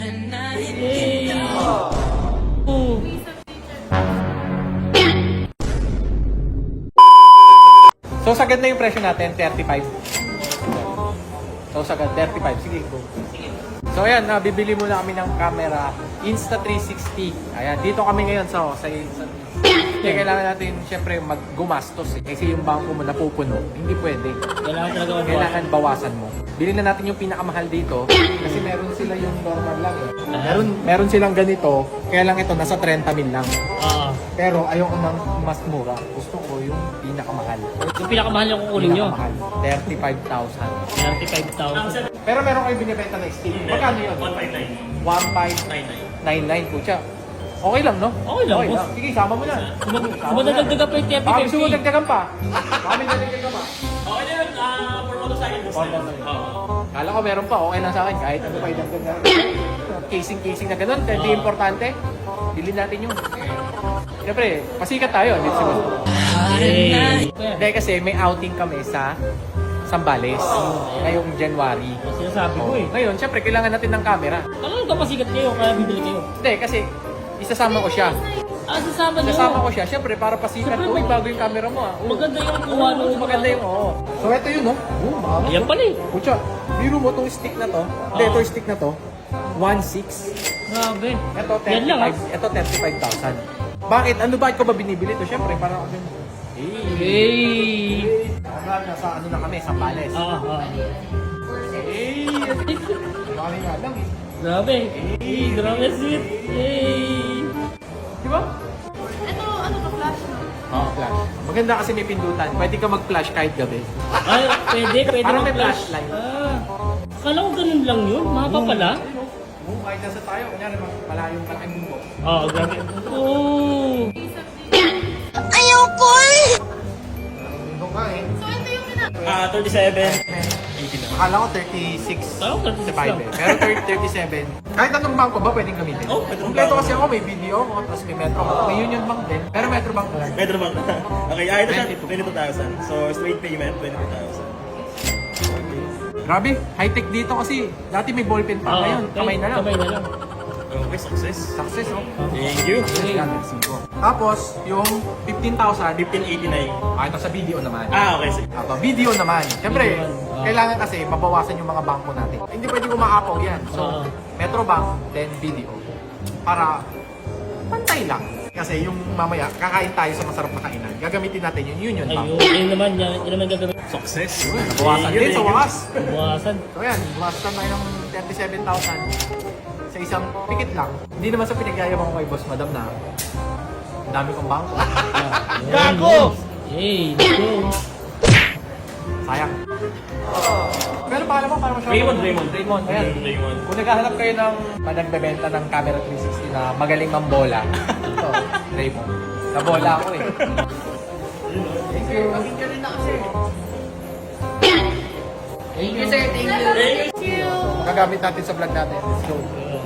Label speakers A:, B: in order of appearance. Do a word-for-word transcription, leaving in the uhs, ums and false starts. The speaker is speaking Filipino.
A: Yay! Oh.
B: So sagad na yung presyo natin, thirty-five. So sagad, thirty-five. Sige, go. So ayan, nabibili muna kami ng camera Insta three sixty. Ayan, dito kami ngayon sa sa Insta. Kaya kailangan natin syempre maggumastos eh. Kasi yung bangko mo napupuno, hindi pwede.
A: Kailangan talaga mabawasan.
B: Kailangan bawasan mo. Bilhin na natin yung pinakamahal dito kasi meron sila yung normal lang eh. Meron meron silang ganito, kaya lang ito nasa thirty mil lang.
A: Oo.
B: Pero ayoko ng mas mura. Gusto ko yung pinakamahal.
A: Yung pinakamahal yung kukunin nyo.
B: Pinakamahal, thirty-five thousand.
A: thirty-five thousand.
B: Pero meron kayo binibenta na stick. Magkano yun?
C: one five nine.
B: one five nine nine. Kutya. Okay lang, no?
A: Okay lang, boss.
B: Sige, sama mo na. Sama mo na.
A: Kumadagdagan pa yung
B: Baka gusto mo
A: thirty fifty.
B: dagdagan pa. Kami nadagdagan pa.
C: Okay na yun, ah, for motorcycle bus na yun. Oo.
B: Kala ko meron pa, okay lang sa akin. Kahit ano pa idagdag na. Casing-casing na ganun. Hindi importante. Bilhin natin yun. Siyempre, pasikat tayo. Dito si Boss.
A: Yay!
B: Hindi kasi may outing kami sa Sambales. Ngayong January.
A: Sinasabi ko eh.
B: Ngayon, siyempre, kailangan natin ng camera.
A: Talagang kapasikat kayo, kaya bibili kayo.
B: Hindi, kasi isasama ko siya.
A: Ah, sasama nyo.
B: Isasama ko siya. Siyempre, para pasikat.
A: Siyempre,
B: Uy,
A: mag-
B: bago yung camera mo ah. Oo.
A: Maganda yung kuha
B: Oo,
A: nung
B: maganda yung oo. So, ito yun, no? Oo, mama.
A: Ayan pala eh.
B: Kutya, biro mo itong stick na to. Hindi,
A: Oo.
B: ito yung stick na to. one six.
A: Grabe.
B: Ito,
A: Yan lang ah.
B: thirty-five. Ito, thirty-five thousand. Bakit? Ano ba ko ba binibili ito? Siyempre, para ako din.
A: Yay!
B: Hanggang nasa ano na kami, Sambales.
A: Ah, ah.
B: Eh, kami nga lang eh.
A: Grabe. Yay, grabe sweet. Yay!
B: Di ba?
D: Ito, ano ka, flash no?
B: Oo, flash. Maganda kasi may pindutan. Pwede ka mag-flash kahit gabi.
A: Ay, pwede, pwede
B: Parang may
A: mag-flash.
B: flashlight.
A: Ah. Akala ko ganun lang yun. Mahaba pala.
B: Oo, kahit nasa tayo. Kunyari, malayong malaking bumbo.
A: Oo, grabe. Oo.
B: Bumbo ka eh.
D: So, ito yung pina...
C: Ah, thirty-seven.
B: Akala ko thirty-six.
A: Parang thirty-six
B: five
A: lang.
B: eh. Pero thirty, thirty-seven. Kahit anong bangko ba pwedeng gamitin?
C: Oh, pwede mong
B: Kompleto
C: bangko.
B: kasi ako, may video ako, tapos may Metro Bank. May Union Bank din. Pero Metro Bank lang.
C: Metro Bank. Okay, ah, ito siya,
B: twenty-two.
C: twenty-two thousand. So, straight payment, twenty-two thousand.
B: Grabe, high-tech dito kasi. Dati may ballpen pa.
A: Oo,
B: Ngayon, kamay na lang.
A: Kamay na lang.
C: Okay, success.
B: Success, oh.
C: Thank you.
B: Yan, merci po. Tapos, yung fifteen thousand,
C: fifteen eighty-nine.
B: ah, ito sa video naman.
C: Ah, okay, sige.
B: Aba, video naman. Siyempre,
A: Video naman. Ah.
B: kailangan kasi mabawasan yung mga bangko natin. Hindi pwedeng umaapaw yan. So,
A: Ah.
B: Metro Bank, then video. Para pantay lang. Kasi yung mamaya, kakain tayo sa masarap na kainan. Gagamitin natin yung Union Bank.
A: Ayun, yun naman, yan, yun naman gagawin.
C: Success.
B: Nabawasan din sa wakas.
A: Buwasan.
B: So yan, buwasan tayo ng thirty-seven thousand sa isang pikit lang. Hindi naman sa pinagyayabang ko kay Boss Madam na ang dami kong bangko.
C: Gago!
A: Yay, let's go.
B: Sayang. Pero pangalan mo, para masyado.
C: Raymond, Raymond.
B: Raymond, ayan.
C: Raymond.
B: Kung naghahanap kayo ng nagbebenta ng camera three sixty na magaling mambola, ito, Raymond. Nabola ako eh. Thank you.
D: Video rin ako, sir.
B: Thank you, sir. Thank you.
D: Thank you.
B: Magagamit natin sa vlog natin. Let's go.